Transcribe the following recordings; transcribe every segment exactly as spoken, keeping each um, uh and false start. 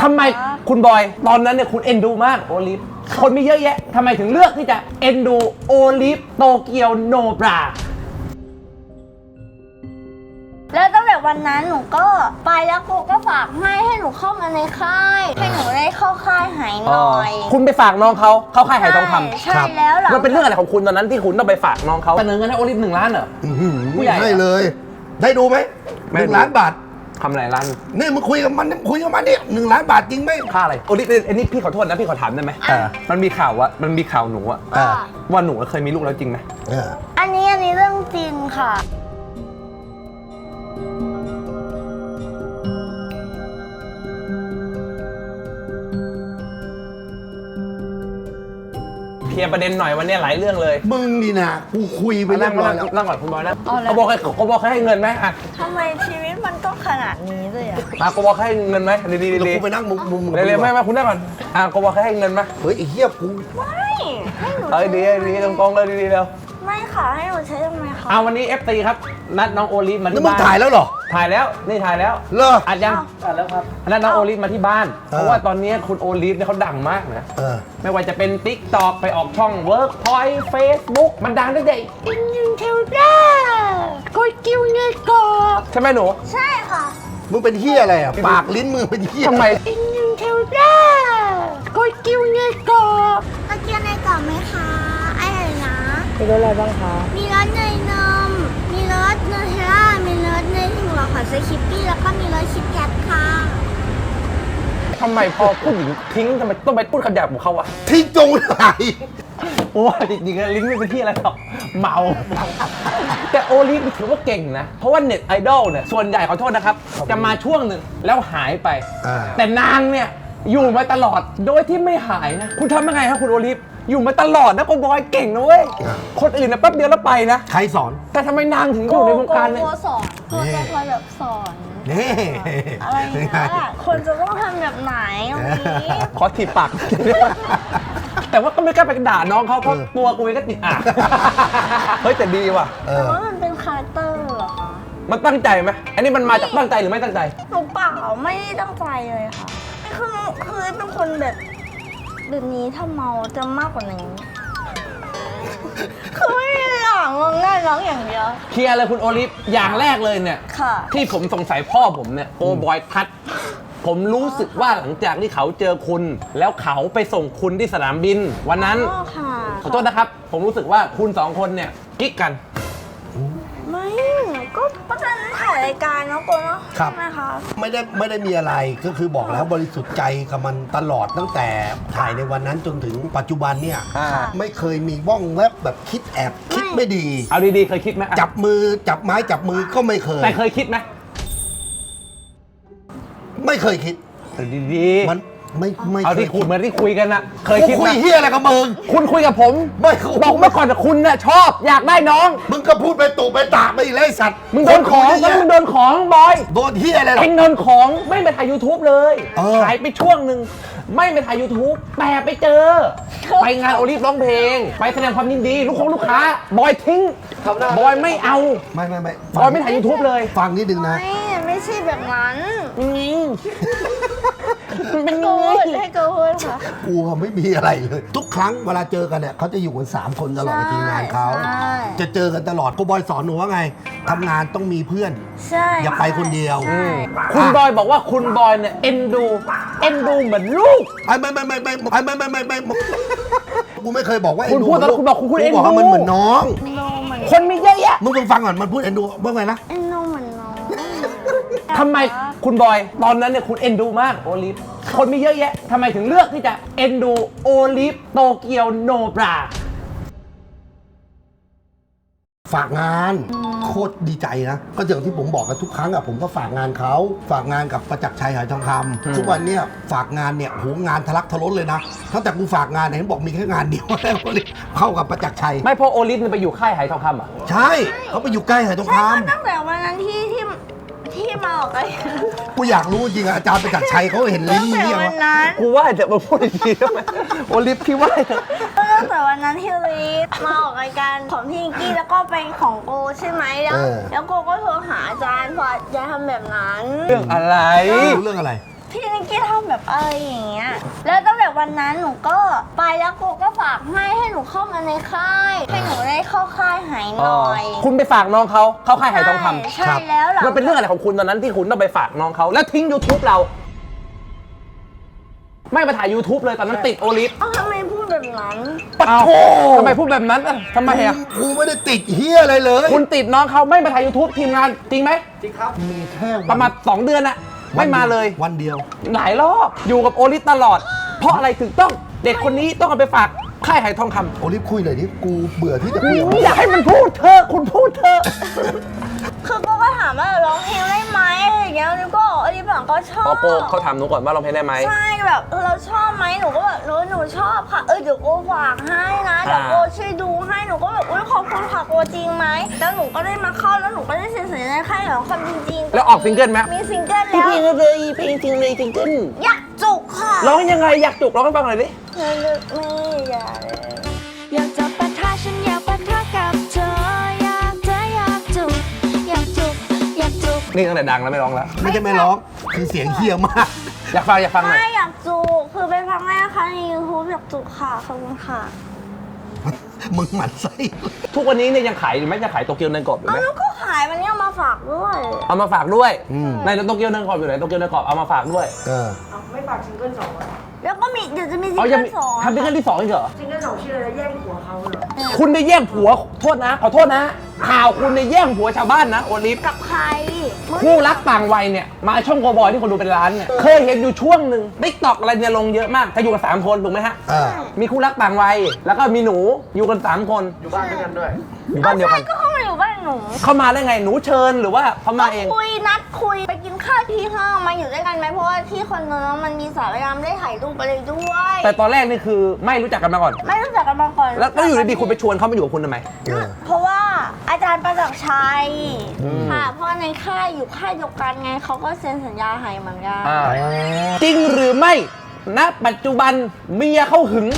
ทำไมคุณบอยตอนนั้นเนี่ยคุณเอ็นดูมากโอลิฟคนมีเยอะแยะทำไมถึงเลือกที่จะเอ็นดูโอลิฟโตเกียวโนบราแล้วตั้งแต่วันนั้นหนูก็ไปแล้วกูก็ฝากให้ให้หนูเข้ามาในค่ายให้หนูได้เข้าค่ายหายหน่อยคุณไปฝากน้องเขาเข้าค่ายหายทองคำใช่แล้วหรอมันเป็นเรื่องอะไรของคุณตอนนั้นที่คุณต้องไปฝากน้องเขาเสนอเงินให้โอลิฟหนึ่งล้านเหรอผู้ใหญ่ให้เลยได้ดูไหมหนึ่งล้านบาททำอะไรล้านนี่มึงคุยกับมันคุยกับมันนี่หนึ่งล้านบาทจริงไหมค่าอะไรโอลิฟอันนี้พี่ขอโทษนะพี่ขอถามได้ไหมมันมีข่าวว่ามันมีข่าวหนูอะว่าหนูเคยมีลูกแล้วจริงไหมอันนี้อันนี้เรื่องจริงค่ะเคลียร์ประเด็นหน่อยวันนี้หลายเรื่องเลยมึงนี่นะกูคุยไปเรื่องอะไรนั่งก่อนคุณบอยนะเขาบอกให้เขาบอกให้เงินไหมอ่ะทำไมชีวิตมันต้องขนาดนี้เลยอ่ะอ่ะเขาบอกให้เงินไหมดีดีดีกูไปนั่งมุมมุมเร็วๆไม่ไม่คุณได้ก่อนอ่ะเขาบอกให้เงินไหมเฮ้ยไอ้เหี้ยกูไม่ให้หนูเอ้ยดีดีตรงกองเลยดีๆเร็วไม่ค่ะให้หนูใช้ทำไมคะอ่ะวันนี้ เอฟ ซี ครับนัดน้องโอลิฟมาที่บ้านมึงถ่ายแล้วเหรอถ่ายแล้วนี่ถ่ายแล้วเหรออัดยังอัดแล้วครับนัดน้องโอลิฟมาที่บ้านเพราะว่าตอนนี้คุณโอลิฟเนี่ยเขาดังมากนะไม่ว่าจะเป็น ติ๊กต็อก ไปออกช่อง Workpoint Facebook มันดังตั้งแต่อินยูเทลด้าก็กิ้วเงี้ยก็ใช่ไหมหนูใช่ค่ะมึงเป็นเหี้ยอะไรอ่ะปากลิ้นมึงเป็นเหี้ยทำไมอินยูเทลด้าก็กิ้วเงี้ยก็ตะเกียงในกล่องไหมคะอะไรนะมีรสอะไรบ้างคะมีรสเนยนมมีรสนูเทลล่ามีรสเนยถั่วขอใส่คิปปี้แล้วก็มีรสคิดแคทค่ะทำไมพอผู้หญิงทิ้งทำไมต้องไปพูดคำหยาบของเขาวะทิ้งจงไหนโอ้จริงๆลิ้นไม่เป็นที่อะไรหรอกเมาแต่โอลิฟถือว่าเก่งนะเพราะว่าเน็ตไอดอลเนี่ยส่วนใหญ่ขอโทษนะครับจะมาช่วงหนึ่งแล้วหายไปแต่นางเนี่ยอยู่มาตลอดโดยที่ไม่หายนะคุณทำยังไงครับคุณโอลิฟอยู่มาตลอดนะคุณบอยเก่งนะเว้ยคนอื่นนะแป๊บเดียวแล้วไปนะใครสอนแต่ทำไมนางถึงอยู่ในวงการเนี่ยโกสอนโกจะคอยแบบสอนนี่อะไรอย่างเงี้ยคนจะต้องทำแบบไหนตรงนี้ขอถีบปากแต่ว่าก็ไม่กล้าไปด่าน้องเขาเพราะตัวกูเองก็ติดอ่ะเฮ้ยแต่ดีว่ะแต่ว่ามันเป็นคาแรคเตอร์เหรอคะมันตั้งใจไหมอันนี้มันมาจากตั้งใจหรือไม่ตั้งใจหนูเปล่าไม่ได้ตั้งใจเลยค่ะคือคือเป็นคนแบบแบบนี้ถ้าเมาจะมากกว่านี้คือไม่มีหลังง่ายร้องอย่างเดียวเคลียร์เลยคุณโอลิฟอย่างแรกเลยเนี่ยที่ผมสงสัยพ่อผมเนี่ยโอบอยทัดผมรู้สึกว่าหลังจากที่เขาเจอคุณแล้วเขาไปส่งคุณที่สนามบินวันนั้นขอโทษนะครับผมรู้สึกว่าคุณสองคนเนี่ยกิ๊กกันไม่ก็ก็จะถ่ายรายการเนาะโกเนาะใช่ไหมคะไม่ได้ไม่ได้มีอะไรก็คือบอกแล้วบริสุทธิ์ใจกับมันตลอดตั้งแต่ถ่ายในวันนั้นจนถึงปัจจุบันเนี่ยไม่เคยมีบ้องแวบแบบคิดแอบคิดไม่ดีเอาดีๆเคยคิดไหมจับมือจับไม้จับมือก็ไม่เคยแต่เคยคิดไหมไม่เคยคิดดีๆมันไม่ไม่เอาที่คุยเหมือนที่คุยกันนะเคยคิดคุยเฮียอะไรกับมึงคุณคุยกับผมไม่บอกเมื่อก่อนแต่คุณเนี่ยชอบอยากได้น้องมึงก็พูดไปตู่ไปตากไปอีกเลยสัตว์มึงโดนของแล้วมึงโดนของบอยโดนเฮียอะไรหรอเองโดนของไม่ไปถ่าย ยูทูบ เลยถ่ายไปช่วงหนึ่งไม่ไปถ่าย ยูทูบ แต่ไปเจอไปงานโอลิฟร้องเพลงไปแสดงความยินดีลูกค้าลูกค้าบอยทิ้งบอยไม่เอาไม่ไม่ไม่บอยไม่ถ่าย ยูทูบ เลยฟังนิดนึงนะไม่ไม่ใช่แบบนั้นนี่เป็นกูให้กูพูดค่ะกูไม่มีอะไรเลยทุกครั้งเวลาเจอกันเนี่ยเขาจะอยู่กันสามคนตลอดในทีมงานเขาจะเจอกันตลอดกูบอยสอนหนูว่าไงทำงานต้องมีเพื่อนใช่อย่าไปคนเดียวคุณบอยบอกว่าคุณบอยเนี่ยเอ็นดูเอ็นดูเหมือนลูกไอ้ไม่ไม่ไม่ไม่ไม่ไม่ไม่ไม่ไม่กูไม่เคยบอกว่าคุณพูดแล้วคุณบอกคุณเอ็นดูมันเหมือนน้องคนมีเยอะแยะมึงฟังก่อนมันพูดเอ็นดูว่าไงนะเอ็นดูเหมือนน้องทำไมคุณบอยตอนนั้นเนี่ยคุณเอ็นดูมากโอลิฟคนมีเยอะแยะทำไมถึงเลือกที่จะเอ็นดูโอลิฟโตเกียวโนบราฝากงานโคตรดีใจนะก็อย่างที่ผมบอกกันทุกครั้งอะผมก็ฝากงานเขาฝากงานกับประจักษ์ชัยหายทองคำทุกวันเนี้ยฝากงานเนี่ยโหงานทะลักทะล้นเลยนะตั้งแต่กูฝากงานเนี่ยเห็นบอกมีแค่งานเดียวแล้วเข้ากับประจักษ์ชัยไม่พอโอลิฟไปอยู่ค่ายหายทองคำอ่ะใช่เขาไปอยู่ใกล้หายทองคำตั้งแต่วันนั้นที่ที่ที่มาออกไปกูอยากรู้จริงอะอาจารย์ประจักษ์ชัยเขาเห็นลิ้นมึงเนี่ยวะกูว่าจะมาพูดดีๆทำไมโอลิฟพี่ว่าตั้งแต่วันนั้นที่ลิฟมาออกรายการของพี่นิกกี้แล้วก็เป็นของโกใช่ไหมแล้วแล้วโกก็โทรหาอาจารย์พอจะทำแบบนั้นเรื่องอะไรเรื่องอะไรพี่นิกกี้ทำแบบอะไรอย่างเงี้ยแล้วตั้งแต่วันนั้นหนูก็ไปแล้วโกก็ฝากให้ให้หนูเข้ามาในค่ายให้หนูได้เข้าค่ายหายหน่อยคุณไปฝากน้องเขาเข้าค่ายหายทองคำใช่แล้วหลังมันเป็นเรื่องอะไรของคุณตอนนั้นที่คุณต้องไปฝากน้องเขาแล้วทิ้ง YouTube เรา ไม่มาถ่าย YouTube เลยตอนนั้นติดโอลิฟเอ้าทำไมพูดแบบนั้นปะโถทำไมพูดแบบนั้นอ่ะทำไมอ่ะกูไม่ได้ติดเฮียอะไรเลยคุณติดน้องเขาไม่มาถ่าย YouTube ทีมงานจริงไหมมีแค่วันประมาณสองเดือนอะไม่มาเลยวันเดียวหลายรอบอยู่กับโอลิฟตลอด เพราะอะไรถึงต้องเด็กคนนี้ต้องเอาไปฝากค่ายหายทองคำโอลิฟคุยหน่อยดิกูเบื่อที่จะคุยกับมึงอยากให้มันพูดเธอะคุณพูดเธอะคือโกก็ถามว่าร้องเพลงได้ไหมอะไรอย่างเงี้ยนิวก็บอกอลิฟบอกก็ชอบพอโกเขาถามหนูก่อนว่าร้องเพลงได้ไหมใช่แบบเออเราชอบไหมหนูก็แบบหนูหนูชอบค่ะเออเดี๋ยวโกฝากให้นะเดี๋ยวโกช่วยดูให้หนูก็แบบอุ้ยขอบคุณค่ะโกจริงไหมแล้วหนูก็ได้มาเข้าแล้วหนูก็ได้เซ็นสัญญาในค่ายของความจริงๆแล้วออกซิงเกิลไหมมีซิงเกิลเพลแล้วงเลยเพลงจริงเลยซิงเกิลอยากจุกค่ะร้องยังไงอยากจุกร้องให้ฟังหน่อยดิเธอเลือกไม่อยากเลยอยากจะปะทะฉันอยากปะทะกับเธออยากเธออยากจุกอยากจุกอยากจุกนี่ตั้งแต่ดังแล้วไม่ร้องแล้วไม่ใช่ไม่ร้องคือเสียงเฮียมากอยากฟังอยากฟังหน่อยไม่อยากจุกคือเป็นครั้งแรกค่ะใน ยูทูบ อยากจุกค่ะขอบคุณค่ะมึงหมันไส้ทุกวันนี้เนี่ยยังขายอยู่ไหมยังขายโตเกียวเนยกรอบอยู่เอาไหมแล้วก็ขายมันเนี่ยเอามาฝากด้วยเอามาฝากด้วยอืมในโตเกียวเนยกรอบอยู่ไหนโตเกียวเนยกรอบเอามาฝากด้วยเออแล้วก็มีเดี๋ยวจะมีซิงเอายัเกิงลสองทำซิงเกิลที่สองอีกเหรอซิงเกิลสองชื่ออะไรนะแย่งผัวเขาเหรอคุณได้แย่งผัวโทษนะขอโทษนะ ข่าวคุณได้แย่งผัวชาวบ้านนะโอลิฟกับใครคู่รักต่างวัยเนี่ยมาช่องโกบอยที่คนดูเป็นล้านเนี่ยเคยเห็นอยู่ช่วงหนึ่งติ๊กต็อกอะไรเนี่ยลงเยอะมากจะอยู่กันสามคนถูกไหมฮะเออมีคู่รักต่างวัยแล้วก็มีหนูอยู่กันสามคนอยู่บ้านด้วยกันด้วยอยู่บ้านเดียวกันใช่ก็เข้ามาอยู่บ้านหนูเข้ามาได้ไงหนูเชิญหรือว่าเขามาเองคุยนัดคุยไปกินข้าวที่ห้องมาอยู่ด้วยกันไหมเพราะว่าที่คอนโดน้องมันมีสระว่ายน้ำได้ถ่ายรูปอะไรด้วยแต่ตอนแรกนี่คือไม่รู้จักกันมาก่อนไม่รู้จักกันมาก่อนแล้วแล้วอยู่ดีๆคุณไปชวนเขามาอยู่กับคุณทำไมเออเพราะว่าอาจารย์ประจักษ์ชัยอืมค่ะเพราะในค่ายอยู่ค่ายเดียวกันไงเขาก็เซ็นสัญญาให้เหมือนกันอ่าจริงหรือไม่ณปัจจุบันเมียเขาหึง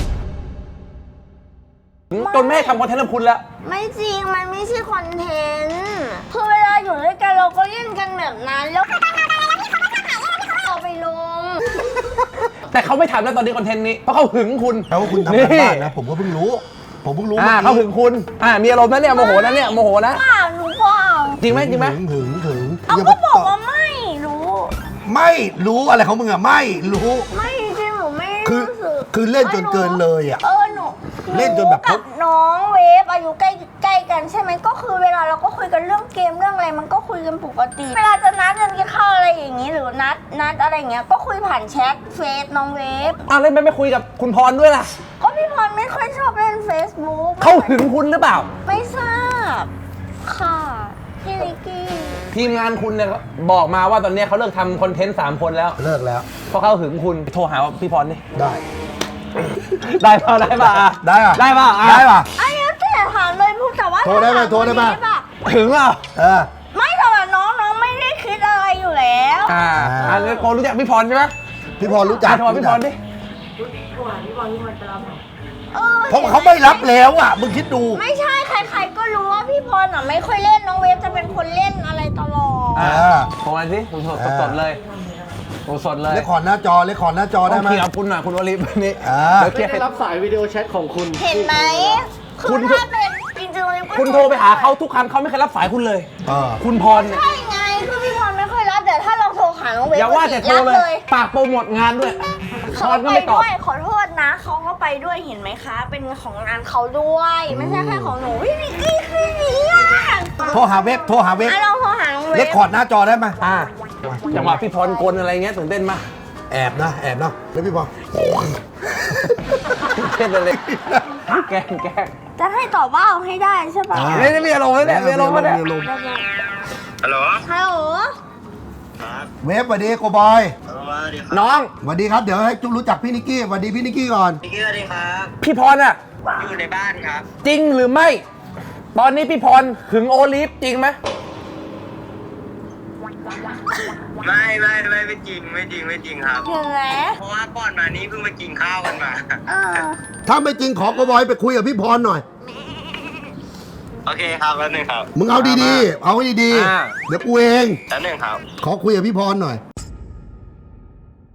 หึงจนไม่ให้ทำคอนเทนต์กับคุณแล้วไม่จริงมันไม่ใช่คอนเทนต์คือเวลาอยู่ด้วยกันเราก็เล่นกันแบบนั้นแล้วเอาไปลงแต่เขาไม่ทำแล้วตอนนี้คอนเทนต์นี้เพราะเขาหึงคุณแปลว่าคุณทำการบ้านนะ ผมก็เพิ่งรู้ ผมเพิ่งรู้อ่าเมื่อเขาหึกี้งคุณอ่ามีอารมณ์นะเนี่ยโมโหนะเนี่ยโมโหนะเปล่าหนูเปล่าจริงไหมจริงไหมถึงถึงถึงเอาย่ก็มบอกตว่าไม่รู้ไม่รู้อะไรของมึงอะไม่รู้ไม่จริงๆหนูไม่คือรู้สึกคือเล่นจนเกินเลยอะเออหนูเล่นจนแบบหกับน้องเวฟอายุใกล้ใกล้กันใช่ไหมก็คือเวลาเราก็คุยกันเรื่องเกมเรื่องอะไรมันก็คุยกันปกติ เวลาจะนัดกันกินข้าวอะไรอย่างนี้หรือนัดนัดอะไรอย่างเงี้ยก็คุยผ่านแชทเฟซน้องเวฟอ้าวแล้วไม่ไปคุยกับคุณพรด้วยล่ะก็พี่พรไม่ค่อยชอบเล่น Facebook เขาหึงคุณหรือเปล่าไม่ทราบค่ะพี่นิกกี้ทีมงานคุณเนี่ยบอกมาว่าตอนนี้เขาเลิกทำคอนเทนต์สามคนแล้วเลิกแล้วเพราะเขาหึงคุณโทรหาพี่พรนี่ได้ได้ป่ะได้ป่ะอ่ะได้ป่ะได้ป่ะอ่ะได้ป่ะอันนี้แต่ถามเลยพูดแต่ว่าโทรได้ไหมโทรได้ไหมปะหึงเปล่าเออไม่แต่ว่าน้องน้องไม่ได้คิดอะไรอยู่แล้วอ่าอ่าอันนี้โกรู้จักพี่พรใช่ไหมพี่พรรู้จักอ่ะโทรหาพี่พรดิโทรหาพี่บอลพี่บอลจะรับเหรอเออเพราะเขาไม่รับแล้วอ่ะ มึงคิดดูไม่ใช่ใครๆก็รู้ว่าพี่พรอ่ะไม่ค่อยเล่นน้องเวฟจะเป็นคนเล่นอะไรตลอดอ่าอ่าโทรมาสิผมสดสดๆเลยโทรสดเลยเลคคอร์ดหน้าจอเลคคอร์ดหน้าจอได้ต้องไหมเคลียร์กับคุณหน่อยคุณวลีวันนี้อ่าเดี๋ยวเคลียร์ได้ให้รับสายวิดีโอแชทของคุณเห็นไหมคืคุอณถ้าเป็นจริงๆเลยก็คุณโทรไปหาเขาทุกครั้งเขาไม่เคยรับสายคุณเลยเออคุณพรเนี่ยใช่ไงคือพี่พรไม่ค่อยรับแต่ถ้าเราโทรหาน้องเวฟอย่าว่าแต่โทรบเลยฝากโปรโมทงานด้วยพเขารก็ไปไม่ตอบด้วยขอโทษนะเขาก็ไปด้วยเห็นไหมคะ เป็นของงานเขาด้วยไม่ใช่แค่ของหนูพี่นิกกี้คือนี้อ่ะโทรหาเว็บ โทรหาเว็บอ่ะลองโทรหาน้องเวเลฟคคอร์ดหน้าจอได้ไหมอ่าจังหวะพี่พรกลอะไรเงี้ยตื่นเต้นมากแอบนะ แอบนะ แล้วพี่พรเต้นเลยแกล้งแกล้งจะให้ตอบว่าเอาให้ได้ใช่ปะอ่าไม่ได้มีอารมณ์ไม่ได้มีอารมณ์ไม่ได้มีอารมณ์ฮัลโหลฮัลโหลครับเว็บสวัสดีโกบอยสวัสดีครับน้องสวัสดีครับ เดี๋ยวให้จุ๊บรู้จักพี่นิกกี้สวัสดีพี่นิกกี้ก่อนพี่กี้สวัสดีครับพี่พรอ่ะอยู่ในบ้านครับจริงหรือไม่ ตอนนี้พี่พรหึงโอลิฟจริงไหมไม่ไม่ไม่ไม่จริงไม่จริงไม่จริงครับเห็นไหมเพราะว่าก่อนมานี้เพิ่งไปกินข้าวกันมาเออถ้าไม่จริงขอโกบอยไปคุยกับพี่พรหน่อยโอเคครับแป๊บนึงครับมึงเอาดีๆ เอาให้ดีๆ เดี๋ยวกูเองแป๊บนึงครับขอคุยกับพี่พรหน่อย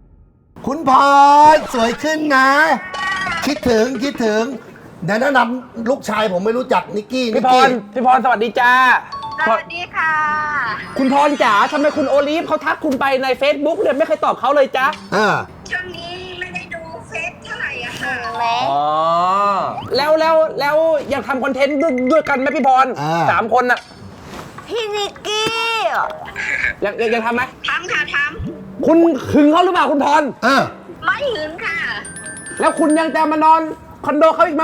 คุณพรสวยขึ้นนะ คิดถึงคิดถึงเดี๋ยวแนะนำลูกชายผมไม่รู้จักนิกกี้นิพี่กพกี้รพี่พรสวัสดีจ้าสวัสดีค่ะคุณพรจ๋าทำไมคุณโอลิฟเขาทักคุณไปใน Facebook เนี่ยไม่เคยตอบเขาเลยจ้าเออช่วงนี้ไม่ได้ดูเฟซเท่าไหร่อะค่ะแม่อ๋อแล้วแล้วแล้วอยากทำคอนเทนต์ด้วยด้วยกันไหมพี่พรอ่าสามคนน่ะพี่นิกกี้อยากอยากอยากทำไหมทำค่ะทคุณหึงเขาหรือเปล่าคุณพรเออำไม่หืนค่ะแล้วคุณยังจะมานอนคอนโดเขาอีกไหม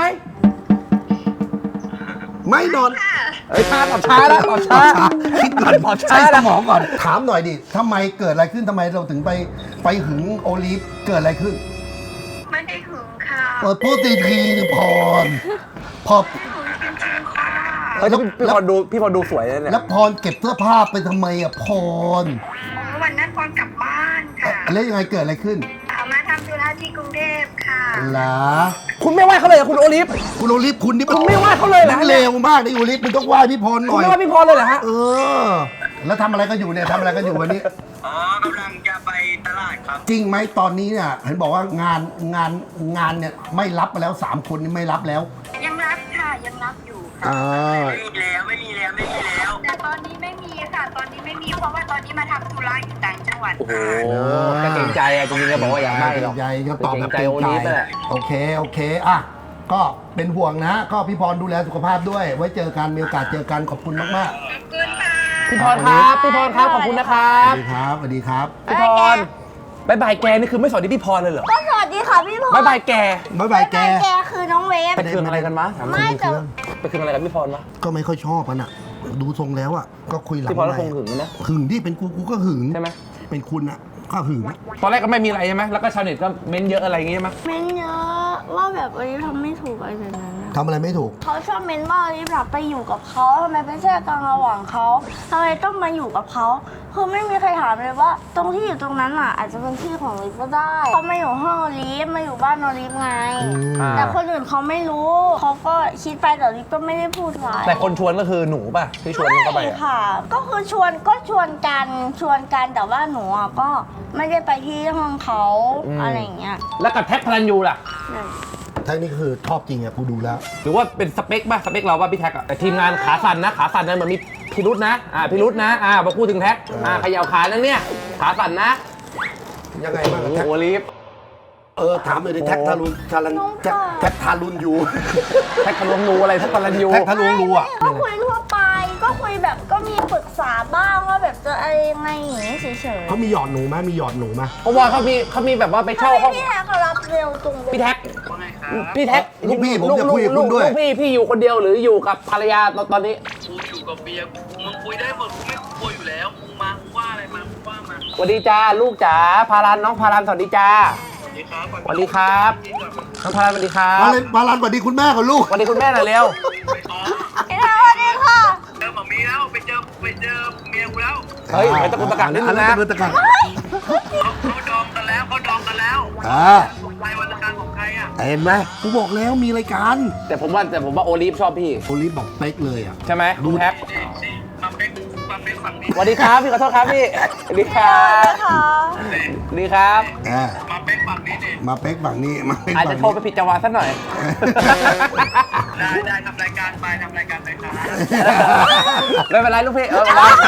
ไม่นอนเอ้ยช้าตอบช้าแล้วตอบช้าคิดก่อนตอบใช้ช้าสแล้วมองก่อน ถามหน่อยดิทำไมเกิดอะไรขึ้นทำไมเราถึงไปไปหึงโอลิฟเกิดอะไรขึ้นไม่ได้หึงค่ะเปิดพูดทีทีนึงพรพอเฮ้ยพี่พรดูพี่พรดูสวยเลยเนี่ยแล้วพรเก็บเสื้อผ้าไปทำไมอ่ะพรวันนั้นพรกลับบ้านค่ะแล้วยังไงเกิดอะไรขึ้นเอามาทำธุระที่กรุงเทพค่ะหรอคุณไม่ไหวเขาเลยเหรอคุณโอลิฟคุณโอลิฟคุณนี่คุณไม่ว่าเขาเลยเหรอนักเลวมากนะโอลิฟมึงต้องไหว้พี่พรหคุณน่อยไม่ว่าพี่พรเลยเหรอฮะเออ แล้วทำอะไรกันอยู่เนี่ยทำอะไรกันอยู่วันนี้อ๋อกำลังจะไปตลาดครับจริงไหมตอนนี้เนี่ยเห็นบอกว่างานงานงานเนี่ยไม่รับมาแล้วสามคนนี่ไม่รับแล้วยังรับค่ะยังรับอยู่ค่ะอ่าไม่มีแล้วไม่มีแล้วไม่มีแล้วแต่ตอนนี้ไม่มีค่ะ ตอนนี้ไม่มีเพราะว่าตอนนี้มาทำธุระอยู่ต่างจังหวัดโอ้โหก็เกรงใจอะจริงๆก็บอกว่าอยากไม่หรอกใหญ่ก็ตอบแบบเกรงใจโอลิฟนั่นแหละโอเคโอเคอ่ะก็เป็นห่วงนะ ก็พี่พรดูแลสุขภาพด้วย ไว้เจอกันมีโอกาสเจอกันขอบคุณมากขอบคุณค่ะพี่พรครับ พี่พรครับ ขอบคุณนะครัๆสบวัสดีครับสวัสดีครับพี่พรบายบายแกนี่คือไม่สวัสดีพี่พรเลยเหรอก็สวัสดีค่ะพี่พรบายบายแกบ๊ายบายแกแกคือน้องเวฟไปคืนอะไรกันมะถามหน่อยไม่แต่ไปคืนอะไรกับพี่พรมะก็ไม่ค่อยชอบมันอ่ะ ดูทรงแล้วอ่ะก็คุยหลังพี่พรก็ไมคงค์หึงนะหึงที่เป็นกูกูก็หึงใช่ไหมเป็นคุณอ่ะก็หึงตอนแรกก็ไม่มีอะไรใช่ไหมแล้วก็ชาวเน็ตก็เม้นเยอะอะไรอย่างงี้ใช่ไหมเม้นเยอะว่าแบบวันนี้ทำไม่ถูกอะไรแบบนั้นนะทำอะไรไม่ถูกเขาชอบเม้นว่ารีบหลับไปอยู่กับเขาทำไมไม่แช่กลางระหว่างเขาทำไมต้องมาอยู่กับเขาคือไม่มีใครถามเลยว่า ตรงที่อยู่ตรงนั้นอ่ะ อาจจะเป็นที่ของลิฟก็ได้เขามาอยู่ห้องลิฟมาอยู่บ้านนอลิฟไงอ่าแต่คนอื่นเขาไม่รู้เขาก็คิดไปแต่ลิฟก็ไม่ได้พูดอะไรแต่คนชวนก็คือหนูป่ะที่ชวนเข้าไปใช่อะค่ะ ก็คือชวนก็ชวนกันชวนกันแต่ว่าหนูอ่ะก็ไม่ได้ไปที่ห้องเขาอะไรอย่างเงี้ยแล้วกับแท็กพลันยูล่ะแท้นี่คือชอบจริงอ่ะกูดูแล้วหรือว่าเป็นสเปคป่ะสเปคเราป่ะพี่แท็กอะแต่ทีมงานขาสั่นนะขาสั่นนะเหมือนมีพิรุษนะอ่าพิรุษนะอ่าพอพูดถึงแท็กอ่าเขย่าขานั่นเนี่ยขาสั่นนะยังไงบ้างโอ้อะโหแท็กโอลิฟเออถามเลยดิแท็กทารุณทารันแท็กแท็กทารุณอยู่แท็กทะลวงรูอะไรแท็กพลันยูแท็กทะลวงรูอ่ะก็คุยทั่วไปก็คุยแบบก็มีปรึกษาบ้างว่าแบบจะอะไรยังไงอย่างนี้เฉยๆเขามีหยอดหนูไหมมีหยอดหนูไหมเพราะว่าเขามีเขามีแบบว่าไปเช่าห้องพี่แท็กเขารับเร็วตรงพี่แท็กว่าไงครับพี่แท็กลูกพี่ผมจะคุยกับคุณด้วยลูกพี่พี่อยู่คนเดียวหรืออยู่กับภรรยาตอนตอนนี้กูอยู่กับเบียร์มึงคุยได้หมดกูไม่คุยอยู่แล้วมึงมามึงว่าอะไรมามึงว่ามาสวัสดีจ้าลูกจ๋าพารันน้องพารันสวัสดีจ้าสวัสดีครับสวัสดีครับน้องพารันสวัสดีครัมาบเลยมาลันสวัสดีคุณแม่กับลูกสวัสดีคุณแม่หน่อยเร็วอ๋อพี่แท็กสวัสดีค่ะเจอหมอมีแล้วไปเจอไปเจอเมียกูแล้วเฮ้ยไปตะกุกตะกักนิดนึงนะตะกุกตะกักเขาเขาดองกันแล้วเขาดองกันแล้วอ่าใครวันละการของใครอ่ะเห็นไหมกูบอกแล้วมีรายการแต่ผมว่าแต่ผมว่าโอลิฟชอบพี่โอลิฟบอกเป๊กเลยอ่ะใช่ไหมดูแท็กนี่นี่มาเป็นมาเป็นฝั่งนี้สวัสดีครับพี่ขอโทษครับพี่สวัสดีครับค่ะสวัสดีครับอ่ามาเป็นฝั่งนี้นี่มาเป๊กฝั่งนี้มาเป๊กอาจฝั่จะงโทรไปนี้ผิดจังหวะสักหน่อยได้ได้ทำรายการไปทำรายการไปครับไม่เป็นไรลูกพี่เออไม่เป็นไร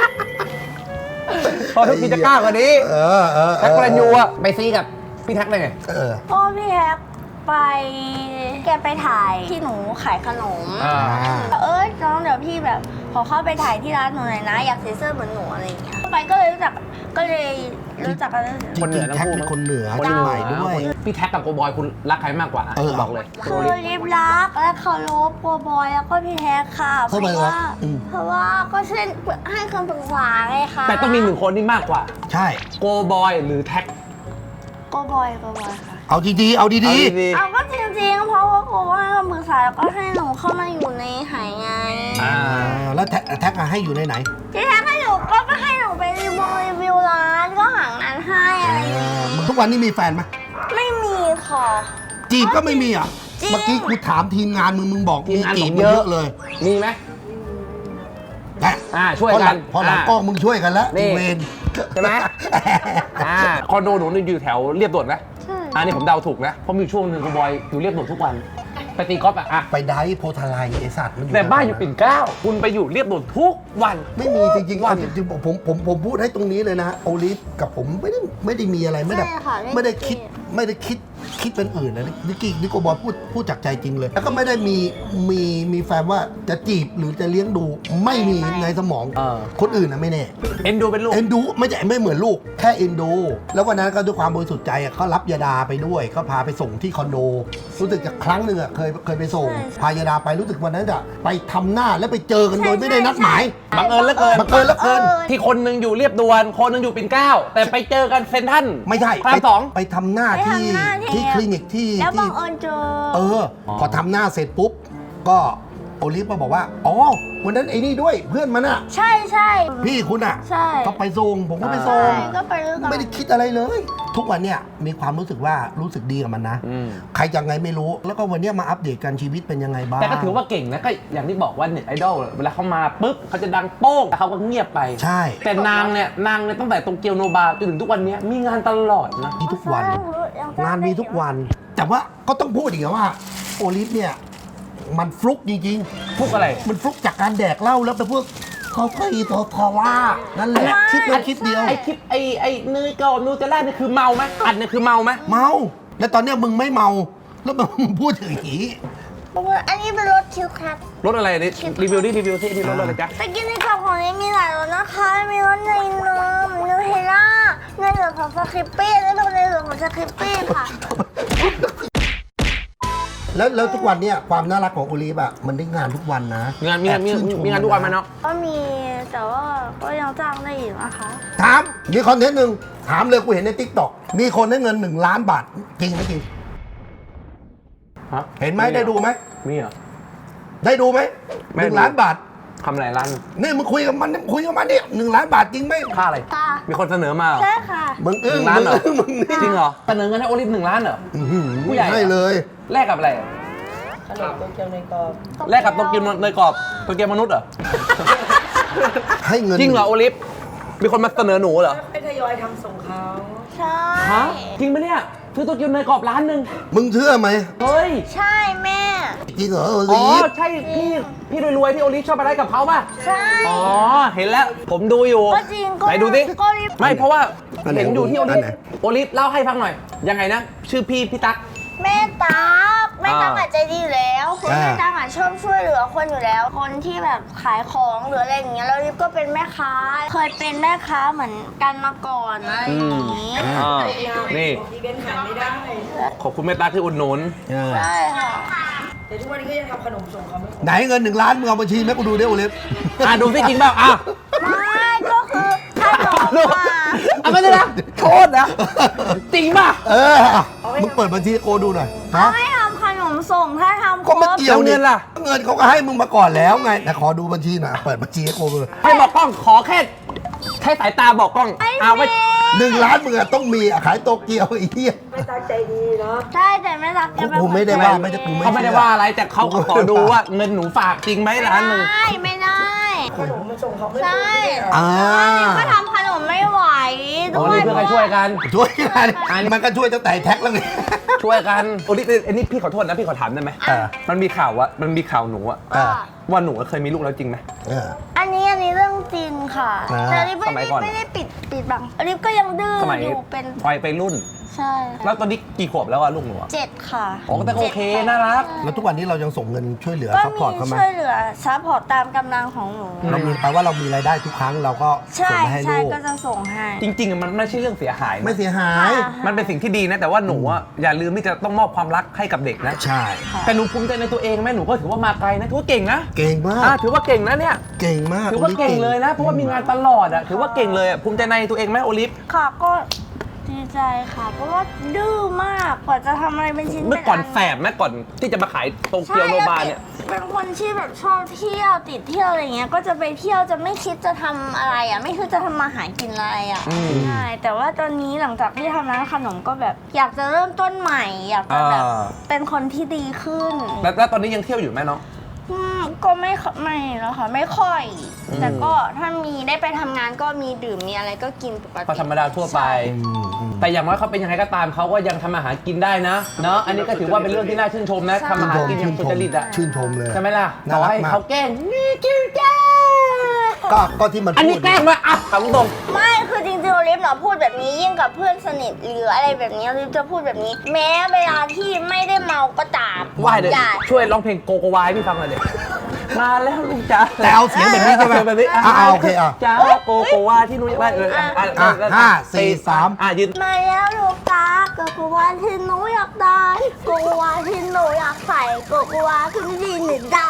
พอทุกทีจะกล้ากว่านี้เออเออแท็กพลันยูอะไปซีกับพี่แท็กได้ไงเออพ่อพี่แท็กไปแกไปถ่ายที่หนูขายขนมอ่าเออน้องเดี๋ยวพี่แบบขอเข้าไปถ่ายที่ร้านหนูหน่อยนะ อยากใส่เสื้อเหมือนหนูอะไรอย่างเงี้ยไปก็เลยรู้จักก็เลยรู้จักกันจคนเหนืริอง ทั้ๆงแท็กคู่เป็นคนเหนือคนเชียงใหม่เหนือด้วยพี่แท็กกับโกบอยคุณรักใครมากกว่าเออบอกเลยคือริบรักและเคารพโกบอยแล้วก็พี่แท็กค่ะ เพทำไมราะวะว่าอืมเพราะว่าก็เช่นให้คำปรึกษาไงคะแต่ต้องมีหนึ่งคนที่มากกว่าใช่โกบอยหรือแท็กโกบอยโกบอยค่ะเอาดีๆเอาดีเอาดีเอาก็จริงๆ เพราะว่าโกบอยให้คำปรึกษาแล้วก็ให้หนูเข้ามาอยู่ในหายไงๆอ่าๆอ่าแล้วแท็กแท็กอะให้อยู่ในไหนพี่แท็กให้หนูก็ก็ให้หนูไปรีวิวรีวิวร้านก็หางานให้อะไรอย่างเงี้ยมึงทุกวันนี้มีแฟนไหมไม่มีค่ะจีบก็ไม่มีอ่ะจริงเมื่อกี้กูถามทีมงานมึงมึงบอกทีมงานจีบบอกเยเยอะอะเลยมีไหมแหะอ่าช่วยพอหกัลันงพอหลังอ่ากล้องมึงช่วยกันแล้วนี่อีเวนใช่ไหมอ่าคอนโดหนูอยู่แถวเรียบด่วนไหมใช่อันนี้ผมเดาถูกนะเพราะมีช่วงหนึ่งคุณบอยอยู่เรียบด่วนทุกวันไปตีกอล์ฟอะอะไปได้โพธาไลไอสัตว์มันอยู่แต่บ้านอยู่ปิ่นเกล้าคุณไปอยู่เรียบด่วนทุกวันไม่มีจริงๆวัอันนนี้จริงๆผมผมผมพูดให้ตรงนี้เลยนะโอลิฟกับผมไม่ได้ไม่ได้มีอะไรไม่ได้ใช่ค่ะไม่ได้คิดเกลียดไม่ได้คิดคิดเป็นอื่นนะนิกกี้นิโกบอลพูดพูดจากใจจริงเลย แล้วก็ไม่ได้มีมีมีแฟนว่าจะจีบหรือจะเลี้ยงดูไม่มีในสมองเออคนอื่นนะไม่แน่เอ็นดูเป็นลูกเอ็นดูไม่ใช่ไม่เหมือนลูกแค่เอ็นดู แล้ววันนั้นก็ด้วยความบริสุทธิ์ใจอะเขารับยาดาไปด้วยก็พาไปส่งที่คอนโด รู้สึกจากครั้งหนึ่งอะเคยเคยไปส่ง พายาดาไปรู้สึกวันนั้นอะไปทำหน้าแล้วไปเจอกันโดยไม่ได้นัดหมายบังเอิญเหลือเกินบังเอิญเหลือเกินที่คนหนึ่งอยู่เรียบด่วนคนหนึ่งอยู่ปิ่นเกล้าแต่ไปเจอกันเซนทรัลไม่ใช่พระรามสองไปทำหน้าไปที่ทำหน้าที่ที่คลินิกที่แล้วบัที่งเอิญเจอเออ พอทำหน้าเสร็จปุ๊บ ก็โอลิฟก็บอกว่า อ๋อ วันนั้นไอ้นี่ด้วยเพื่อนมันอะใช่ใช่พี่คุณอะใช่ก็ไปส่งผมก็ไปส่ใช่งก็ไปด้วยกันไม่ได้คิดอะไรเลย ทุกวันเนี่ยมีความรู้สึกว่ารู้สึกดีกับมันนะอืมใครจะไงไม่รู้ แล้วก็วันเนี้ยมาอัปเดตกันชีวิตเป็นยังไงบ้างแต่ก็ถือว่าเก่งนะก็อย่างที่บอกว่าเน็ตไอดอลเวลาเขามาปุ๊บเขาจะดังโป้งแต่เขาก็เงียบไปใช่แต่นางเนี่ยนางเนี่ยตั้งแต่โตเกียวโนบาจนถึงทุกวันเนี้ยมีงานตลอดนะมีทุกวันยังงานมีทุกวัน แต่ว่าก็ต้องพูดอีกนะว่าโอลิฟเนี่ยมันฟลุกจริงพวกอะไรๆ มันฟลุกจากการแดกเหล้าแล้วไปพวกคอฟฟี่ตัวคอล่านั่นแหละคิดแล้วคิดเดียวไอคลิปไอไอเนยกรอบนูเทลล่านี่คือเมาไหมอันเนี่ยคือเมาไหมเมา แล้วตอนเนี้ยมึงไม่เมา แล้วมึงพูดถึงอย่างนี้อันนี้เป็นรถคิวครับรถอะไรนี่รีวิวดิรีวิวที่นี่รถอะไรจ๊ะไปกินในกล่องของนี้มีหลายรสนะคะ มีรสในนมนูเทลล่าในส่วนของสคริปปี้และในส่วนของสคริปปี้ค่ะแล้วแล้วทุกวันเนี่ยความน่ารักของโอลิฟอะมันได้งานทุกวันนะงานมีงานมีแอบชื่ชมีงานทุกวันไหมเนาะก็มีแต่ว่าก็ยังจ้างได้อีกนะคะถาม มีคอนเทนต์หนึ่งถามเลยกูเห็นในทิกตอกมีคนได้เงินหนึ่งล้านบาท จริงไหมจริงฮะเห็นไหมได้ดูไหมมีเหรอได้ดูไหมไม่หดูนึ่งล้านบาททำอะไรร้านนี่มึงคุยกับมันมึงคุยกับมันเนี่ยหนึ่งล้านบาทจริงไหมค่าอะไรค่ะมีคนเสนอมาเหรอใช่ค่ะมึงหอึ้งนึ่งล้านเหรอมึงอึ้งมึงนี่จริงเหรอเสนอเงินให้โอลิฟหนึ่งล้านเหรออื้อหือผู้ใหญ่ให้เลยแลกกับอะไรขนมโตเกียวในกรอบแลกกับโตเกียวเนยกรอบโตเกียวมนุษย์เหรอให้เงินจริงเหรอโอลิฟมีคนมาเสนอหนูเหรอให้ทยอยทำส่งเขาใช่ฮะจริงปะเนี่ยซื้อโตเกียวเนยกรอบร้านหนึ่งมึงเชื่อไหมเฮ้ยใช่แม่จริงเหรอโออ๋ลิอฟใช่พี่พี่รวยๆที่โอลิฟชอบไปได้กับเขาป่ะใช่อ๋อเห็นแล้วผมดูอยู่ก็จริงก็ไหนดูสิก็รีบไม่เพราะว่าอันไหนเห็นอยู่ที่โอลิอัฟนไหนโอลิฟเล่าให้ฟังหน่อย ยังไงนะ ชื่อพี่พี่ตั๊กแม่ตั๊กแม่ตั๊กอ่าอาจใจดีอยู่แล้วคืออ่าแม่ตั๊กอาจชอบช่วยเหลือคนอยู่แล้ว คนที่แบบขายของหรืออะไรอย่างเงี้ยแล้วรีบก็เป็นแม่ค้า เคยเป็นแม่ค้าเหมือนกันมาก่อนอะไรอย่างงี้อ่านี่อีเวนต์ขายไม่ได้ขอบคุณแม่ตั๊กที่อุดหนุนเออใช่ค่ะแต่ทุกวันนี้ก็ยังทำขนมส่งเขาไม่ไหนเงินหนึ่งล้านมึงเอาบัญชีแม่กูดูดิโอลิฟอ่ะดูสิจริงเปล่าอ่ะไม่ก็คือขนมดูอ่ะอ่ะไม่ได้นะโทษนะจริงป่ะเออมึงเปิดบัญชีให้โกดูหน่อยฮะไม่ทำขนมส่งถ้าทำคก็รไม่บเกี่ยวแล้วเงินล่ะเงินเขาก็ให้มึงมาก่อนแล้วไงแต่ขอดูบัญชีหน่อยเปิดบัญชีให้โกดูให้บอกกล้องขอแค่แค่สายตาบอกกล้องเอาไว้หนึ่งล้านมึงอะต้องมีอะขายโตเกียวไอ้เหี้ยไม่ตั้งใจดีเนาะใช่แต่แม่ตั๊กแกเป็นกูไม่ได้ว่าไม่ได้กูไม่เขาไม่ได้ว่าอะไรแต่เขาขอดูว่าเงินหนูฝากจริงไหมร้านหนึ่งไม่ไม่ได้ขนมมันส่งเขาไม่ใช่อ่าก็ทำขนมไม่ไหวโอ้ด้วยนี่เพื่อกันช่วยกันช่วยกันมันก็ช่วยตั้งแต่แท็กแล้วไงช่วยกันโอ้นี่อันนี้พี่ขอโทษนะพี่ขอถามได้ไหมอ่ามันมีข่าวว่ามันมีข่าวหนูอะอ่าว่าหนูเคยมีลูกแล้วจริงไหมเอออันนี้อันนี้เรื่องจริงค่ะอ่าแต่ริบสมัไม่ยก่อนได้ไม่ได้ปิดปิดบังริบก็ยังดื้อสมัยอยู่เป็นวัยไปรุ่นใช่แล้วตอนนี้กี่ขวบแล้วอะลูกหนูอะเจ็ดค่ะอ๋อแต่ก็โอเคน่ารักแล้วทุกวันนี้เรายังส่งเงินช่วยเหลือก็ซัพมีพอร์ตเขาไหมช่วยเหลือซัพพอร์ตตามกำลังของหนูเรามีแปลว่าเรามีรายได้ทุกครั้งเราก็ใช่ส่งมาให้ใช่ลูกก็จะส่งให้จริงๆอะมันไม่ใช่เรื่องเสียหายนะไม่เสียหายค่ะมันเป็นสิ่งที่ดีนะแต่ว่าหนูอะอย่าลืมที่จะต้องมอบความรักให้กับเด็กนะใช่แต่หนูภูมิใจในตัวเองไหมหนูก็ถือว่ามาไกลนะถือว่าเก่งนะเก่งมาอ่าก ถือว่าเก่งนะเนี่ยเก่งมากถือว่าเก่งเลยนะเพราะว่ามีงานตลอดอะถือว่าเก่งเลยอะภูมิใจในตัวเองไหมโอลิฟค่ะก็ดีใจค่ะ เพราะว่าดื้อมากกว่าจะทำอะไรเป็นชิ้นเมื่อก่อนป็แสบไหมก่อนที่จะมาขายโตเกียวโนบาเนี่ยเป็นคนที่แบบชอบเที่ยวติดเที่ยวอะไรเงี้ยก็จะไปเที่ยวจะไม่คิดจะทำอะไรอ่ะไม่คิดจะทำมาหากินอะไรอ่ะอืมใช่แต่ว่าตอนนี้หลังจากที่ทำร้านขนมก็แบบ อยากจะเริ่มต้นใหม่ อยากจะแบบอ่าเป็นคนที่ดีขึ้นแล้วแล้วตอนนี้ยังเที่ยวอยู่ไหมน้องอืมก็ไม่ค่อยไม่แล้วค่ะไม่ค่อย แต่ก็ถ้ามีได้ไปทำงานก็มีดื่มมีอะไรก็กินปกติก็ธรรมดาทั่วไป แต่อย่างน้อยเขาเป็นยังไงก็ตามเขาก็ยังทำอาหารกินได้นะเนาะอันนี้ก็ถือว่าเป็นเรื่องที่น่าชื่นชมนะใช่ทำอาหารกินอชื่ย่าน งชสุมจริตอะชื่นชมเลยใช่ไหมล่ะน่าต่อรักให้มากเขาแกล้งนี่กินแกล้งก็ก็ที่มันอันนี้พูดแกล้งมาอ่ะถามตรงไม่คือจริงๆโอลิฟเนาะพูดแบบนี้ยิ่งกับเพื่อนสนิทหรืออะไรแบบนี้โอลิฟจะพูดแบบนี้ แม้เวลาที่ไม่ได้เมาก็ตามไหว้เดี๋ยวอย่าช่วยร้องเพลงโกโกวายให้พี่ฟังหน่อยเดี๋ยวมาแล้วลูกจ๋าแต่เอาเสียงแบบนี้ใช่ไหมแบบนี้อ่ะอ่ะโอเคอ่ะจ้าโกโกวาที่หนูอยากได้เอออ่ะอ่ะอ่ะอ่ะห้าสี่สามอ่ะยืนมาแล้วลูกตาโกโกวาที่หนูอยากได้โกโกวาที่หนูอยากใส่โกโกวาที่ไม่ดีหนึ่งดา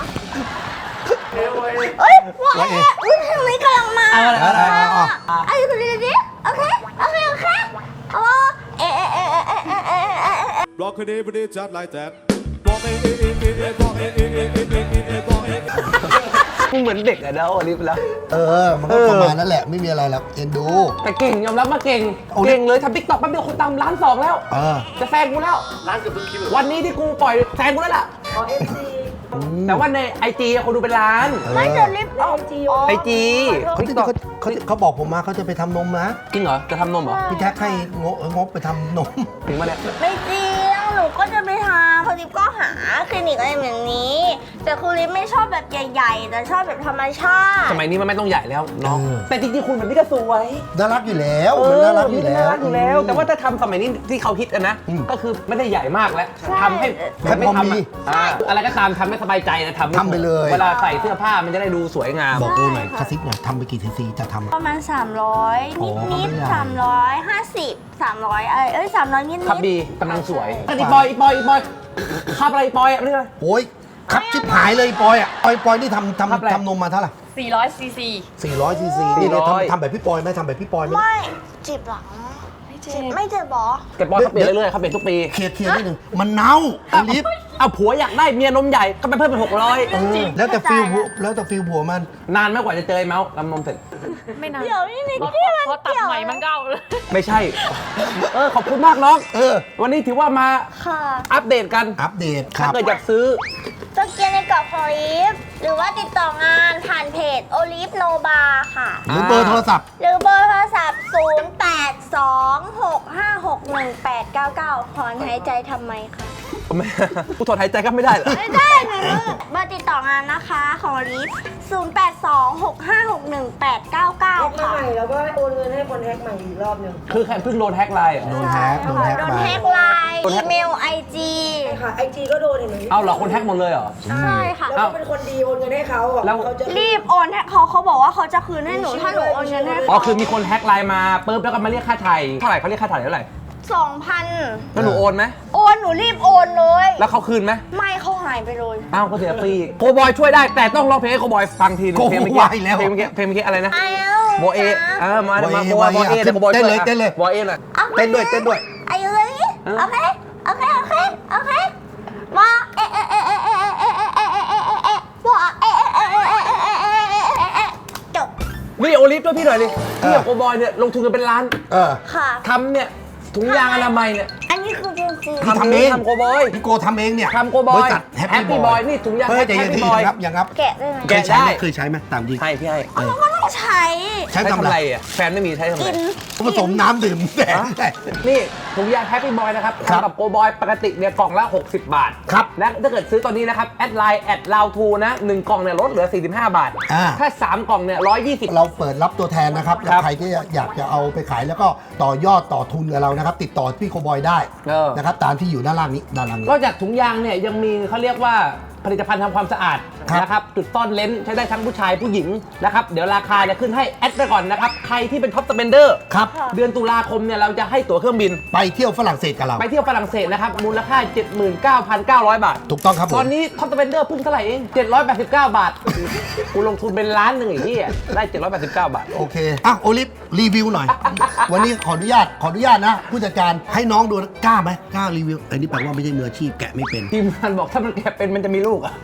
เอ้ยว่าเอ๊ะอุ้ยทางนี้กำลังมาเอาเอาเอาเอาเอาไอ้คนนี้ดิโอเคโอเคโอเคเอาเอ๊ะเอ๊ะเอ๊ะเอ๊ะเอ๊ะเอ๊ะเอ๊ะเอ๊ะ Rock a day, but it's just like that. Rock it, it, it, it, it, rock it, it, it, it, it, it, rock it. มึงเหมือนเด็กอะเด้อโอลิฟแล้วเออ มันก็ประมาณนั้นแหละไม่มีอะไรหรอกเอ็นดูแต่เก่งยอมรับมาเก่งโอ้ยเก่งเลยทำติ๊กต็อกแป๊บเดียวคนตามล้านสองแล้วเออจะแซงกูแล้วร้านเกือบทุกคลิปเลยวันนี้ที่กูปล่อยแซงกูแล้วล่ะขอเอฟซีแต่ว่าในไอจีคนดูเป็นล้านไม่จะลิฟต์ออกไอจีเขาจะเขาเขาเขาบอกผมมาเขาจะไปทำนมนะจริงเหรอ จะทำนมเหรอพี่แท็กให้งบงบไปทำนมถึงมาเนี่ยไม่จริงหนูก็จะไปทำคือลิฟต์ก็หาคลินิกอะไรแบบนี้ แต่คือลิฟต์ไม่ชอบแบบใหญ่ๆแต่ชอบแบบธรรมชาติสมัยนี้มันไม่ต้องใหญ่แล้วเนาะเออแต่จริงๆคุณแบบนี้ก็สวยน่ารักอยู่แล้วมันน่ารักอยู่แล้วน่ารักอยู่แล้ว แต่ว่าถ้าทำสมัยนี้ที่เขาฮิตกันนะอืมก็คือไม่ได้ใหญ่มากแล้วใช่ทำให้แค่ไม่พอทำมีอะอ่าอะไรก็ตามทำให้สบายใจนะทำม่ทำไปเลยเวลาใส่เสื้อผ้ามันจะได้ดูสวยงามบอกกูหน่อยกระซิบหน่อยทำไปกี่ซีซีจะทำประมาณ สามร้อยอ๋อนิดไม่ๆใหญ่สามร้อยห้าสิบ สามร้อยเอ้ยเอ้ยสามร้อยนิดๆครับดีกำลังสวยอีปอยอีปอยอีปอยครับอะไรอีปอยอะเรื่องอะไรโอ้ยครับชิบหายเลยปอยอ่ะปอยปอยนี่ทำครับอะไรทำทำนมมาเท่าไหร่สี่ร้อยซีซีสี่ร้อยซีซีนี่สี่ร้อยทำทำแบบพี่ปอยไหมทำแบบพี่ปอยไหมไม่เจ็บหลังไม่เจ็เจ็บบ ไม่เจ็บหรอแต่ปอยเขาเปลี่ยนเรื่อยๆเขาเปลี่ยนทุกปีเคลียร์เคลียร์นิดนึงมันเน่าไอลิฟเอาผัวอยากได้เมียนมใหญ่ก็ไปเพิ่มเป็นหกร้อยเออแล้วแต่ฟิลผัวแล้วแต่ฟิลผัวมันนานไหมกว่าจะเจอไอ้เมาส์ลำนมเสร็จไม่นานเดี๋ยวนี่นิกเพราะกี้มันเพราะตัดเกี่ยวใหม่มันเก้าเลยไม่ใช่ เออขอบคุณมากน้องเออวันนี้ถือว่ามาค่ะอัปเดตกันอัปเดตคถ้ารับเกิดอยากซื้อจะเกียนในกรอบของลิฟหรือว่าติดต่องานผ่านเพจโอลิฟโนบาค่ะหรือเบอร์โทรศัพท์หรือเบอร์โทรศัพท์ ศูนย์ แปด สอง หก ห้า หก หนึ่ง แปด เก้า เก้า ถอนหายใจทำไมคะไม่ ผู้ถอนหายใจก็ไม่ได้เหรอไม่ได้หนูเบอร์ติดต่องานนะคะของลิฟศูนย์ แปด สอง หก ห้า หก หนึ่ง แปด เก้า เก้าแฮกมาค่ะใหม่แล้วก็โอนเงินให้คนแฮกใหม่อีกรอบหนึ่งคือแค่เพิ่งโดนแฮกไลน์เหรอโดนแฮกโดนแฮกโดนมาแฮกไลน์โดนอีแฮ็กเมลไอจีใช่ค่ะไอจีก็โดนเห็นไหมเอาเหรอคนแฮกหมดเลยเหรอใช่ค่ะแล้วก็เป็นคนดีโอนเงินให้เขาบอกแล้วเขาจะรีบโอนให้เขาเขาบอกว่าเขาจะคืนให้หนูถ้าหนูโอนเงินให้อ๋อเขาคือมีคนแฮกไลน์มาปุ๊บแล้วก็มาเรียกค่าไถ่เท่าไหร่เขาเรียกค่าไถ่เท่าไหร่สองพันแล้วหนูโอนไหมโอนหนูรีบโอนเลยแล้วเขาคืนไหมไม่เขาหายไปเลยอ้าวก็เสียฟรีโคบอยช่วยได้แต่ต้องร้องเพลงให้โคบอยฟังทีนึงโคเพลงเมื่อไวกี้แล้วเพลงเมื่อกี้เพลงเมื่อกี้อะไรนะอ้าวโบเอเออมาโบเอมาโบโบโบเอเอเดี๋ยวโคบอยเต้นเลยช่วเต้นเลยโบเอหน่อยเต้นด้วยเต้นด้วยอายุเลยโอเคโอเคโอเคโอเคมาเอะเอะเอะเอะเอะเอะเอะเอะเอะเอะเอะว่าเอะเอะเอะเอะเอะเอะเอะเอะเอะจบนี่โอลิฟด้วยพี่หน่อยดิพี่กับโคบอยเนี่ยลงทุนกันเป็นล้านเออค่ะทำเนี่ยถุงยางอนามัยเนี่ยอันนี้คือจริงพี่ทำทำเองทำโคบอยพี่โกทำเองเนี่ยทำโคบอยบริษัทแฮป Happy ปี้บ Boy อยนี่ถุงยางเฮ้ยใจเย็น Happy ที่ Boy ครับอย่างครับๆแกะได้ไหมเคยใช้ไหมแกะได้เคยใช้ไหมตามดีให้พี่ให้เราก็ต้องใช้ใช้ใช้ทำทำอะอะไร ไรอ่ะแฟนไม่มีใช้ทำอะไรกินผสมน้ำดื่มแดงได้นี่ถุงยางแฮปปี้บอยนะครับครับทำกับโกบอยปกติเนี่ยกล่องละ หกสิบ บาทครับและถ้าเกิดซื้อตอนนี้นะครับ แอดไลน์แอดลาวทูนะหนึ่งกล่องเนี่ยลดเหลือ สี่สิบห้า บาทอ่าถ้า สาม กล่องเนี่ยหนึ่งร้อยยี่สิบเราเปิดรับตัวแทนนะครับ แล้วครับใครที่อยากจะเอาไปขายแล้วก็ต่อยอดต่อทุนกับเรานะครับ ติดต่อพี่โคบอยได้เออนะครับตามที่อยู่ด้านล่างนี้ด้านล่างนี้นอกจากถุงยางเนี่ยยังมีเขาเรียกว่าผลิตภัณฑ์ทำความสะอาดครับนะครับจุดซ่อนเลนส์ใช้ได้ทั้งผู้ชายผู้หญิงนะครับเดี๋ยวราคาจะขึ้นให้แอดไปก่อนนะครับใครที่เป็นท็อปสเปนเดอร์ครับเดือนตุลาคมเนี่ยเราจะให้ตั๋วเครื่องบินไปเที่ยวฝรั่งเศสกับเราไปเที่ยวฝรั่งเศสนะครับมูลค่า เจ็ดหมื่นเก้าพันเก้าร้อย บาทถูกต้องครับผมตอนนี้ท็อปสเปนเดอร์เพิ่งเท่าไหร่เอง เจ็ดร้อยแปดสิบเก้า บาท กูลงทุนเป็นล้านหนึ่งไอ้เหี้ยได้ เจ็ดร้อยแปดสิบเก้า บาทโอเคอ่ะโอลิฟรีวิวหน่อย วันนี้ขออนุญาตขออนุญาตนะผู้จัดการให้น้องดูนะกล้าไหมกล้ารีวิวอันนี้แปลว่าไม่ใช่มืออาชีพแกะไม่เป็นทีมงานบอกถ้ามันแกะเป็นมันจะมีลูกอ่ะ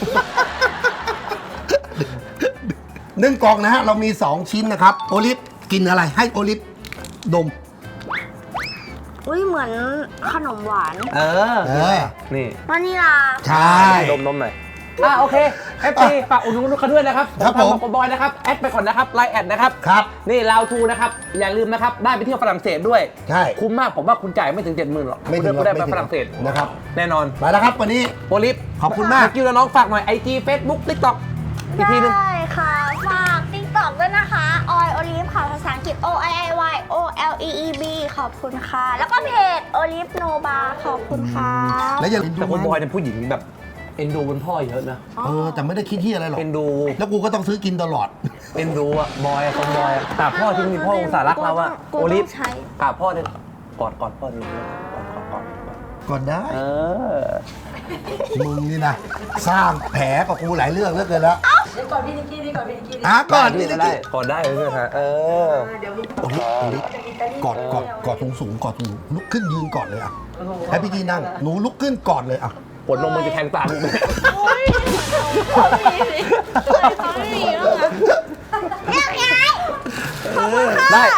หนึ่งกล่องนะฮะ เรามี สอง ชิ้นนะครับ โอลิฟกินอะไรให้โอลิฟดมอุ้ยเหมือนขนมหวานเออเออนี่วานิลาใช่ดมนมหน่อยอ่ะโอเค เอฟ ซี ฝากอุดหนุนเขาด้วยนะครับครับทางผมบอกบอยนะครับ แอดไปก่อนนะครับ ไลน์แอดนะครับครับนี่ลาวทูนะครับ อย่าลืมนะครับ ได้ไปเที่ยวฝรั่งเศสด้วยใช่คุ้มมาก ผมว่าคุณจ่ายไม่ถึง เจ็ดหมื่นหรอกไม่ถึงหรอกคุณได้ไม่ไปถึงฝรั่งเศสนะครับแน่นอนไปแล้วครับวันนี้โปลิฟขอบคุณมากกิ้วแล้วน้องฝากหน่อย ไอ จี Facebook TikTok อีกทีหนึงได้ค่ะ ฝากติ๊กต็อกด้วยนะคะออยโอลิฟค่ะ ภาษาอังกฤษ O I I Y O L E E B ขอบคุณค่ะ แล้วก็เพจโอลิฟโนบาขอบคุณค่ะแล้วอย่าลืมแต่คุณบอยเนี่ยผู้หญิงแบบเอ็นดูคุณพ่อเยอะนะเออแต่ไม่ได้คิดที่อะไรหรอกเอ็นดูแล้วกูก็ต้องซื้อกินตลอดเอ็นดูอะบอยอะคนบอยอะกราบพ่อที่มีพ่ออุตส่าห์รักเราอะกลัวโอต้องลิฟใช้กราบพ่อเนี่ยกอดกอดพ่อนี่กอดกอดกอดก่อนได้เออมึงนี่นะ สร้างแผลกับกูหลายเรื่องเหลือเกินแล้วเดี๋ยวก่อนพี่นิกกี้นี่ก่อนพี่นิกกี้นี่อ่ะก่อนได้นี่ได้นะได้กอดได้เลยฮะเออเดี๋ยวมีโอ้โหโอ้โหกอดกอดกอดสูงสูงๆกอดสูงลุกขึ้นยืนก่อนเลยอ่ะให้พี่จีนั่งหนูลุกขึ้นก่อนเลยอ่ะปวดนมมันจะแทงตาลูกไหมโอ้ยเขาไม่มีเขาไม่มีแล้วนะเรียกยายขอบคุณค่ะได้